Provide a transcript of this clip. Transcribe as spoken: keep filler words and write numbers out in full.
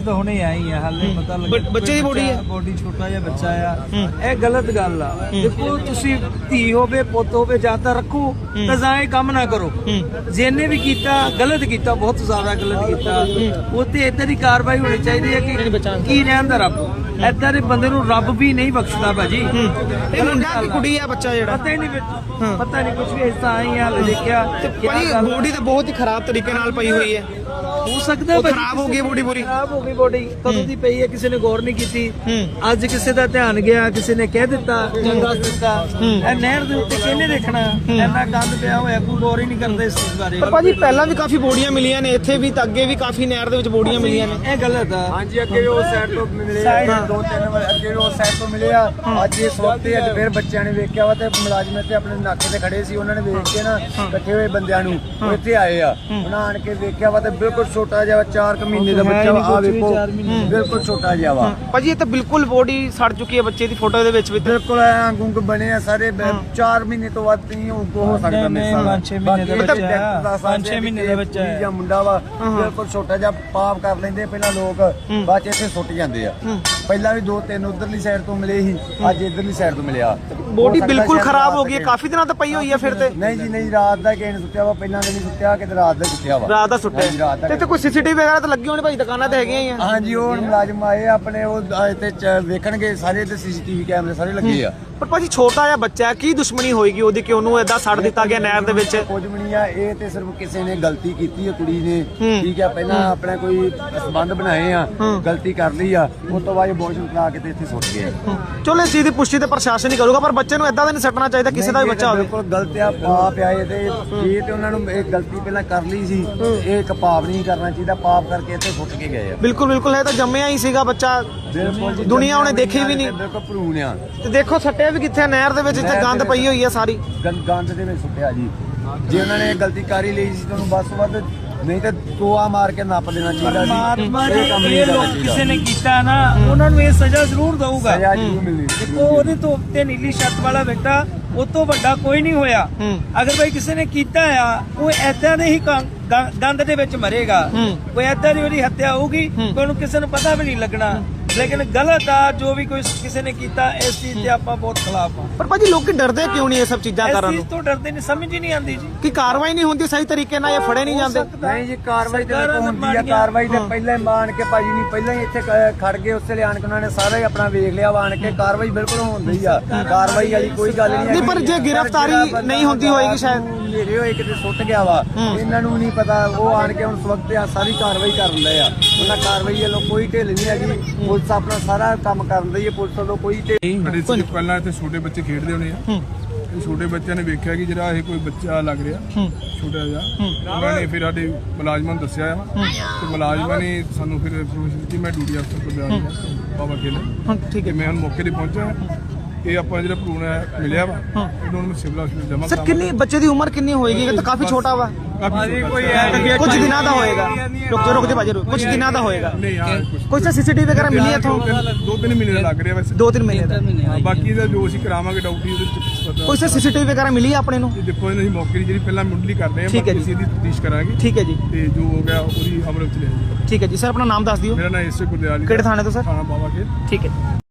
ਅਸੀਂ ਤਾਂ ਹੁਣੇ ਆਏ ਹੀ ਆ, ਹਾਲੇ ਪਤਾ ਲੱਗਾ ਬੱਚੇ ਦੀ ਬੋਡੀ ਹੈ, ਬੋਡੀ ਛੋਟਾ ਜਿਹਾ ਬੱਚਾ ਆ। ਇਹ ਗਲਤ ਗੱਲ ਆ। ਦੇਖੋ ਤੁਸੀਂ ਧੀ ਹੋਵੇ ਪੁੱਤ ਹੋਵੇ ਜਾਂ ਤਾਂ ਰੱਖੋ ਤਾਂ ਜਾਂ ਇਹ ਕੰਮ ਨਾ ਕਰੋ। ਜਿਹਨੇ ਵੀ ਕੀਤਾ ਗਲਤ ਕੀਤਾ, ਬਹੁਤ ਜ਼ਿਆਦਾ ਗਲਤ ਕੀਤਾ। ਉਹ ਤੇ ਏਦਾਂ ਦੀ ਕਾਰਵਾਈ ਹੋਣੀ ਚਾਹੀਦੀ ਹੈ ਕਿ ਕੀ ਰਹਿੰਦਾ ਰੱਬ ਏਦਾਂ ਦੇ ਬੰਦੇ ਨੂੰ ਰੱਬ ਵੀ ਨਹੀਂ ਬਖਸ਼ਦਾ ਭਾਜੀ। ਇਹ ਮੁੰਡਾ ਕਿ ਕੁੜੀ ਆ ਬੱਚਾ ਜਿਹੜਾ ਪਤਾ ਹੀ ਨਹੀਂ ਵਿੱਚ ਪਤਾ ਨਹੀਂ ਕੁਝ ਵੀ ਇਸ ਤਾਂ ਆਈ ਹਾਲੇ ਦੇਖਿਆ। ਭਾਈ ਬੋਡੀ ਤਾਂ ਬਹੁਤ ਹੀ ਖਰਾਬ ਤਰੀਕੇ ਨਾਲ ਪਈ ਹੋਈ ਹੈ। ਹੋ ਸਕਦਾ ਉਹ ਖਰਾਬ ਹੋ ਗਈ ਬੋਡੀ ਪੂਰੀ, ਖਰਾਬ ਹੋ ਗਈ ਬੋਡੀ ਕਦੋਂ ਦੀ ਪਈ ਹੈ, ਕਿਸੇ ਨੇ ਗੌਰ ਨਹੀਂ ਕੀਤੀ। ਅੱਜ ਕਿਸੇ ਦਾ ਧਿਆਨ ਗਿਆ, ਕਿਸੇ ਨੇ ਕਹਿ ਦਿੱਤਾ ਜਾਂ ਦੱਸ ਦਿੱਤਾ। ਇਹ ਨਹਿਰ ਦੇ ਉੱਤੇ ਕਿਹਨੇ ਦੇਖਣਾ, ਇੰਨਾ ਗੰਦ ਪਿਆ ਹੋਇਆ, ਕੋਈ ਗੌਰ ਹੀ ਨਹੀਂ ਕਰਦਾ ਇਸ ਚੀਜ਼ ਬਾਰੇ। ਪਰ ਭਾਜੀ ਪਹਿਲਾਂ ਵੀ ਕਾਫੀ ਬੋਡੀਆਂ ਮਿਲੀਆਂ ਨੇ ਇੱਥੇ ਵੀ, ਤਾਂ ਅੱਗੇ ਵੀ ਕਾਫੀ ਨਹਿਰ ਦੇ ਵਿੱਚ ਬੋਡੀਆਂ ਮਿਲੀਆਂ ਨੇ। ਇਹ ਗਲਤ ਆ। ਹਾਂਜੀ ਅੱਗੇ ਵੀ ਉਸ ਸਾਈਡ ਤੋਂ ਮਿਲੇ ਆ, ਦੋ ਤਿੰਨ ਵਾਰ ਅੱਗੇ ਵੀ ਉਸ ਸਾਈਡ ਤੋਂ ਮਿਲੇ ਆ। ਅੱਜ ਇਸ ਵਕਤ ਹੀ ਅੱਜ ਫਿਰ ਬੱਚਿਆਂ ਨੇ ਵੇਖਿਆ ਵਾ ਤੇ ਮੁਲਾਜ਼ਮ ਇੱਥੇ ਆਪਣੇ ਨਾਕੇ ਤੇ ਖੜੇ ਸੀ, ਉਹਨਾਂ ਨੇ ਵੇਖ ਕੇ ਨਾ ਇਕੱਠੇ ਹੋਏ ਬੰਦਿਆਂ ਨੂੰ ਉਹ ਇੱਥੇ ਆਏ ਆ। ਉਹਨਾਂ ਆਣ ਕੇ ਵੇਖਿਆ ਵਾ ਤੇ ਬਿਲਕੁਲ ਛੋਟਾ ਜਿਹਾ ਚਾਰ ਕੁ ਮਹੀਨੇ ਦਾ ਬੱਚਾ ਵਾ, ਆ ਵੇਖੋ ਬਿਲਕੁਲ ਛੋਟਾ ਜਿਹਾ ਵਾ ਭਾਜੀ। ਇਹ ਤਾਂ ਬਿਲਕੁਲ ਬੋਡੀ ਸੜ ਚੁੱਕੀ ਹੈ ਬੱਚੇ ਦੀ, ਫੋਟੋ ਦੇ ਵਿੱਚ ਵੀ ਬਿਲਕੁਲ ਐਂ ਗੁੰਗ ਬਣੇ ਆ ਸਾਰੇ। ਚਾਰ ਮਹੀਨੇ ਤੋਂ ਵੱਧ ਨਹੀਂ ਹੋ ਸਕਦਾ ਮੇਰੇ ਸਾਹ। ਪੰਜ ਛੇ ਮਹੀਨੇ ਦਾ ਬੱਚਾ, ਪੰਜ ਛੇ ਮਹੀਨੇ ਦਾ ਬੱਚਾ ਹੈ ਜਾਂ ਮੁੰਡਾ ਵਾ, ਬਿਲਕੁਲ ਛੋਟਾ ਜਿਹਾ ਪਾਪ ਕਰ ਲੈਂਦੇ ਪਹਿਲਾਂ ਲੋਕ, ਬਾਅਦ ਚ ਇੱਥੇ ਸੁੱਟ ਜਾਂਦੇ ਆ। ਪਹਿਲਾਂ ਵੀ ਦੋ ਤਿੰਨ ਉਧਰਲੀ ਸਾਈਡ ਤੋਂ ਮਿਲੇ ਸੀ, ਅੱਜ ਇਧਰਲੀ ਸਾਈਡ ਤੋਂ ਮਿਲਿਆ। ਬੋਡੀ ਬਿਲਕੁਲ ਖਰਾਬ ਹੋ ਗਈ ਹੈ, ਕਾਫੀ ਦਿਨਾਂ ਤੋਂ ਪਈ ਹੋਈ ਹੈ ਫਿਰ ਤੇ। ਨਹੀਂ ਜੀ ਨਹੀਂ, ਰਾਤ ਦਾ ਕਿਸੇ ਨੇ ਸੁੱਟਿਆ ਵਾ, ਪਹਿਲਾਂ ਦੇ ਨਹੀਂ ਸੁੱਟਿਆ, ਕਿਤੇ ਰਾਤ ਦਾ ਸੁੱਟਿਆ ਵਾ। ਰਾਤ ਦਾ ਸੁੱਟਿਆ ਤੇ ਇੱਥੇ ਕੋਈ ਸੀਸੀਟੀਵੀ ਵਗੈਰਾ ਤਾਂ ਲੱਗੀ ਹੋਣੀ ਭਾਈ, ਦੁਕਾਨਾਂ ਤੇ ਹੈਗੀਆਂ ਹੀ ਆ। ਹਾਂਜੀ ਉਹ ਮੁਲਾਜ਼ਮ ਆਏ ਆਪਣੇ, ਉਹ ਇੱਥੇ ਵੇਖਣਗੇ ਸਾਰੇ, ਤੇ ਸੀਸੀਟੀਵੀ ਕੈਮਰੇ ਸਾਰੇ ਲੱਗੇ ਆ। ਪਰ ਭਾਜੀ ਛੋਟਾ ਜਿਹਾ ਬੱਚਾ ਹੈ, ਕੀ ਦੁਸ਼ਮਣੀ ਹੋਏਗੀ ਉਹਦੀ ਕਿ ਉਹਨੂੰ ਏਦਾਂ ਛੱਡ ਦਿੱਤਾ ਗਿਆ ਨਹਿਰ ਦੇ ਵਿੱਚ? ਕੁਝ ਵੀ ਨਹੀਂ ਆ, ਇਹ ਤੇ ਸਿਰਫ ਕਿਸੇ ਨੇ ਗਲਤੀ ਕੀਤੀ ਹੈ, ਕੁੜੀ ਨੇ, ਠੀਕ ਹੈ। ਪਹਿਲਾਂ ਆਪਣਾ ਕੋਈ ਸੰਬੰਧ ਬਣਾਏ ਆ, ਗਲਤੀ ਕਰ ਲਈ ਆ, ਉਸ ਤੋਂ ਬਾਅਦ ਅਬੋਰਸ਼ਨ ਕਰਾ ਕੇ ਤੇ ਇੱਥੇ ਸੁੱਟ ਗਏ। ਚਲੋ ਇਸ ਚੀਜ਼ ਦੀ ਪੁਸ਼ਟੀ ਤੇ ਪ੍ਰਸ਼ਾਸਨ ਹੀ ਕਰੂਗਾ, ਪਰ ਬੱਚੇ ਨੂੰ ਏਦਾਂ ਦਾ ਨਹੀਂ ਸੱਟਣਾ ਚਾਹੀਦਾ, ਕਿਸੇ ਦਾ ਵੀ ਬੱਚਾ ਹੋਵੇ। ਬਿਲਕੁਲ ਗਲਤ ਆ, ਪਾਪ ਆ ਇਹ ਤੇ। ਇਹ ਤੇ ਉਹਨਾਂ ਨੂੰ ਇਹ ਗਲਤੀ ਪਹਿਲਾਂ ਕਰ ਲਈ ਸੀ, ਇਹ ਇੱਕ ਪਾਪ ਨਹੀਂ ਕਰਨਾ ਚਾਹੀਦਾ, ਪਾਪ ਕਰਕੇ ਇੱਥੇ ਸੁੱਟ ਕੇ ਗਏ ਆ। ਬਿਲਕੁਲ ਬਿਲਕੁਲ, ਇਹ ਤਾਂ ਜੰਮਿਆ ਹੀ ਸੀਗਾ ਬੱਚਾ, ਬਿਲਕੁਲ ਦੁਨੀਆ ਉਹਨੇ ਦੇਖੀ ਵੀ ਨਹੀਂ। ਬਿਲਕੁਲ ਭਰੂਣ ਆ। ਤੇ ਦੇਖੋ ਸੱਟਿਆ ਵੀ ਕਿੱਥੇ, ਨਹਿਰ ਦੇ ਵਿੱਚ ਇੱਥੇ ਗੰਦ ਪਈ ਹੋਈ ਹੈ ਸਾਰੀ। ਗੰਦ ਦੇ ਵਿੱਚ ਸੁੱਟਿਆ ਜੀ। ਜੇ ਉਹਨਾਂ ਨੇ ਗਲਤੀ ਕਰ ਹੀ ਲਈ ਸੀ ਤੁਹਾਨੂੰ ਬਸ ਵੱਧ, ਨਹੀਂ ਤਾਂ ਟੋਆ ਮਾਰ ਕੇ ਨੱਪ ਦੇਣਾ ਚਾਹੀਦਾ ਸੀ। ਪਰਮਾਤਮਾ ਜੀ ਇਹ ਲੋਕ ਕਿਸੇ ਨੇ ਕੀਤਾ ਨਾ, ਉਹਨਾਂ ਨੂੰ ਇਹ ਸਜ਼ਾ ਜ਼ਰੂਰ ਦਊਗਾ। ਸਜ਼ਾ ਜ਼ਰੂਰ ਮਿਲਣੀ। ਦੇਖੋ ਉਹਦੇ ਤੋਂ ਉੱਤੇ ਨੀਲੀ ਛੱਤ ਵਾਲਾ ਬੇਟਾ, ਉਹ ਤੋਂ ਵੱਡਾ ਕੋਈ ਨਹੀਂ ਹੋਇਆ। ਅਗਰ ਭਾਈ ਕਿਸੇ ਨੇ ਕੀਤਾ ਆ, ਉਹ ਏਦਾਂ ਦੇ ਹੀ ਗੰਦ ਦੇ ਵਿੱਚ ਮਰੇਗਾ। ਕੋਈ ਏਦਾਂ ਦੀ ਉਹਦੀ ਹੱਤਿਆ ਹੋਊਗੀ, ਉਹਨੂੰ ਕਿਸੇ ਨੂੰ ਪਤਾ ਵੀ ਨਹੀਂ ਲੱਗਣਾ। ਲੇਕਿਨ ਗਲਤ ਆ ਜੋ ਵੀ ਕੋਈ ਕਿਸੇ ਨੇ ਕੀਤਾ, ਇਸ ਚੀਜ਼ ਤੇ ਆਪਾਂ ਬਹੁਤ ਖਿਲਾਫ ਆ। ਪਰ ਭਾਜੀ ਲੋਕੀ ਡਰਦੇ ਕਿਉਂ ਨਹੀਂ ਇਹ ਸਭ ਚੀਜ਼ਾਂ ਕਰਨ ਇਸ ਨੂੰ? ਚੀਜ਼ ਤੋਂ ਡਰਦੇ ਨਹੀਂ, ਸਮਝ ਹੀ ਨਹੀਂ ਆਉਂਦੀ ਜੀ ਕਿ ਕਾਰਵਾਈ ਨਹੀਂ ਹੁੰਦੀ ਸਹੀ ਤਰੀਕੇ ਨਾਲ, ਇਹ ਫੜੇ ਨਹੀਂ ਜਾਂਦੇ। ਨਹੀਂ ਜੀ ਕਾਰਵਾਈ ਤੇ ਹੁੰਦੀ ਆ, ਕਾਰਵਾਈ ਤੇ ਪਹਿਲਾਂ ਹੀ ਮਾਣ ਕੇ ਭਾਜੀ ਨਹੀਂ, ਪਹਿਲਾਂ ਹੀ ਇੱਥੇ ਖੜ ਗਏ, ਉਸੇ ਲਈ ਆਣ ਕੇ ਉਹਨਾਂ ਨੇ ਸਾਰਾ ਹੀ ਆਪਣਾ ਵੇਖ ਲਿਆ ਵਾ। ਆਣ ਕੇ ਕਾਰਵਾਈ ਬਿਲਕੁਲ ਹੁੰਦੀ ਆ, ਕਾਰਵਾਈ ਵਾਲੀ ਕੋਈ ਗੱਲ ਨਹੀਂ। ਨਹੀਂ ਪਰ ਜੇ ਗ੍ਰਿਫਤਾਰੀ ਨਹੀਂ ਹੁੰਦੀ ਹੋਏਗੀ ਸ਼ਾਇਦ ਮੇਰੇ ਹੋਏ ਕਿਤੇ ਸੁੱਟ ਗਿਆ ਵਾ, ਇਹਨਾਂ ਨੂੰ ਨਹੀਂ ਪਤਾ। ਉਹ ਆਣ ਕੇ ਹੁਣ ਇਸ ਵਕਤ ਆ ਸਾਰੀ ਕਾਰਵਾਈ ਕਰ ਰਹੇ ਆ। ਉਹਨਾਂ ਕਾਰਵਾਈ ਵੱਲੋਂ ਕੋਈ ਢਿੱਲ ਨਹੀਂ ਹੈਗੀ, ਪੁਲਿਸ ਆਪਣਾ ਸਾਰਾ ਕੰਮ ਕਰਨ ਦੀ ਹੈ, ਪੁਲਿਸ ਵੱਲੋਂ ਕੋਈ ਢਿੱਲ। ਪਹਿਲਾਂ ਇੱਥੇ ਛੋਟੇ ਬੱਚੇ ਖੇਡਦੇ ਹੋਣੇ ਆ, ਛੋਟੇ ਬੱਚਿਆਂ ਨੇ ਵੇਖਿਆ ਕਿ ਜਿਹੜਾ ਇਹ ਕੋਈ ਬੱਚਾ ਲੱਗ ਰਿਹਾ ਛੋਟਾ ਜਿਹਾ, ਉਹਨਾਂ ਨੇ ਫਿਰ ਸਾਡੇ ਮੁਲਾਜ਼ਮਾਂ ਨੂੰ ਦੱਸਿਆ ਆ ਤੇ ਮੁਲਾਜ਼ਮਾਂ ਨੇ ਸਾਨੂੰ ਫਿਰ ਇਨਫੋਰਮੇਸ਼ਨ ਦਿੱਤੀ। ਮੈਂ ਡਿਊਟੀ ਅਫਸਰ ਕੋਲ ਜਾ ਰਿਹਾ ਬਾਬਾ ਖੇਲ, ਠੀਕ ਹੈ। ਮੈਂ ਹੁਣ ਮੌਕੇ ਤੇ ਪਹੁੰਚਿਆ। ਇਹ ਆਪਾਂ ਜਿਹੜਾ ਭਰੂਣ ਹੈ ਮਿਲਿਆ ਵਾ, ਇਹਨੂੰ ਮੈਂ ਸਿਵਲ ਹਸਪੀਟਲ ਜਮ੍ਹਾਂ ਸਰ ਕਿੰਨੀ ਬੱਚੇ ਦੀ ਉਮਰ ਕਿੰਨੀ ਹੋਏਗੀ? ਇਹ ਤਾਂ ਕਾਫੀ ਛੋਟਾ ਵਾ, ਕੁਝ ਦਿਨਾਂ ਦਾ ਹੋਏਗਾ। ਰੁਕ ਜਾ ਰੁਕ ਜਾ ਭਾਜੀ, ਕੁਝ ਦਿਨਾਂ ਦਾ ਹੋਏਗਾ। ਨਹੀਂ ਹਾਂ ਕੁਝ ਕੋਈ ਸਰ ਸੀਸੀਟੀਵੀ ਵਗੈਰਾ ਮਿਲੀ ਇੱਥੋਂ? ਦੋ ਤਿੰਨ ਮਹੀਨੇ ਦਾ ਲੱਗ ਰਿਹਾ ਵੈਸੇ, ਦੋ ਤਿੰਨ ਮਹੀਨੇ ਦਾ। ਬਾਕੀ ਦਾ ਜੋ ਅਸੀਂ ਕਰਾਵਾਂਗੇ ਡਾਊਟੀ ਉਹਦੇ ਵਿੱਚ ਪਤਾ। ਕੋਈ ਸਰ ਸੀਸੀਟੀਵੀ ਵਗੈਰਾ ਮਿਲੀ ਆਪਣੇ ਨੂੰ? ਦੇਖੋ ਇਹਨਾਂ ਦੀ ਮੌਕੇ ਦੀ ਜਿਹੜੀ ਪਹਿਲਾਂ ਮੁੱਢਲੀ ਕਰਦੇ ਆ, ਬਾਕੀ ਅਸੀਂ ਇਹਦੀ ਤਫਤੀਸ਼ ਕਰਾਂਗੇ। ਠੀਕ ਹੈ ਜੀ, ਤੇ ਜੋ ਹੋ ਗਿਆ ਉਹਦੀ ਅਮਲ ਵਿੱਚ ਲਿਆਂਗੇ। ਠੀਕ ਹੈ ਜੀ। ਸਰ ਆਪਣਾ ਨਾਮ ਦੱਸ ਦਿਓ। ਮੇਰਾ ਨਾਮ ਇਸੇ ਗੁਰਦਿਆਲ। ਕਿਹੜੇ ਥਾਣੇ ਤੋਂ ਸਰ? ਥਾਣਾ ਬਾਬਾ ਖੇਲ। ਠੀਕ ਹੈ।